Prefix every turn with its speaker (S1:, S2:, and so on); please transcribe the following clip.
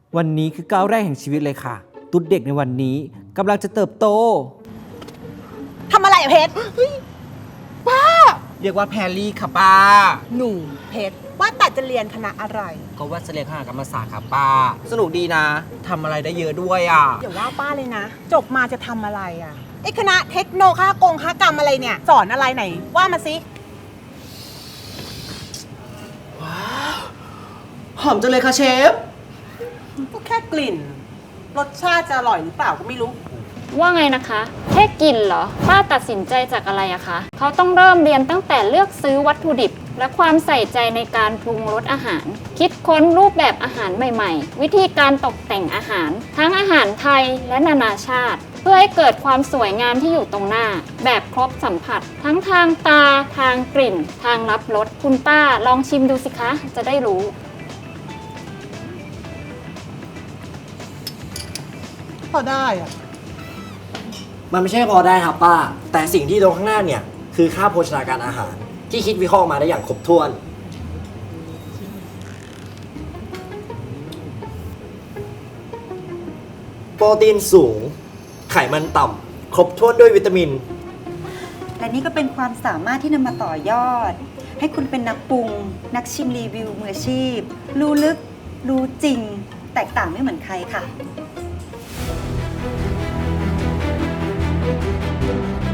S1: วันนี้คือก้าวแรกแห่งชีวิตเลยค่ะ ตุ๊ดเด็กในวันนี้กำลังจะเติบโต
S2: ทำอะไรอะเพชร
S1: เรียกว่าแพรลี่ค่ะป้า
S2: หนูเพชรว่าแต่จะเรียนคณะอะไร
S1: ก็ว่าจะเรียนคณะกรรมศาสตร์ค่ะป้า สนุกดีนะทำอะไรได้เยอะด้วยอ่ะ
S2: อย่าว่าป้าเลยนะ จบมาจะทำอะไรอะไอคณะเทคโนค้ากรรมอะไรเนี่ย สอนอะไรไหน ว่ามาสิ
S1: หอมจังเลยค่ะเชฟ
S2: ก็แค่กลิ่น รสชาติจะอร่อยหรือเปล่าก็ไม่รู้
S3: ว่าไงนะคะแค่กินเหรอป้าตัดสินใจจากอะไรอะคะเขาต้องเริ่มเรียนตั้งแต่เลือกซื้อวัตถุดิบ และความใส่ใจในการปรุงรสอาหาร คิดค้นรูปแบบอาหารใหม่ๆ วิธีการตกแต่งอาหาร ทั้งอาหารไทยและนานาชาติ เพื่อให้เกิดความสวยงามที่อยู่ตรงหน้า แบบครบสัมผัส ทั้งทางตา ทางกลิ่น ทางรับรสคุณป้าลองชิมดูสิคะ จะได้รู้
S2: พอได้อะ
S4: มันไม่ใช่พอได้ครับป้า แต่สิ่งที่ตรงข้างหน้าเนี่ย คือค่าโภชนาการอาหาร ที่คิดวิเคราะห์มาได้อย่างครบถ้วน โปรตีนสูง ไขมันต่ำ ครบถ้วนด้วยวิตามิน
S5: และนี่ก็เป็นความสามารถที่นำมาต่อยอด ให้คุณเป็นนักปรุง นักชิมรีวิวมืออาชีพ รู้ลึก รู้จริง แตกต่างไม่เหมือนใครค่ะ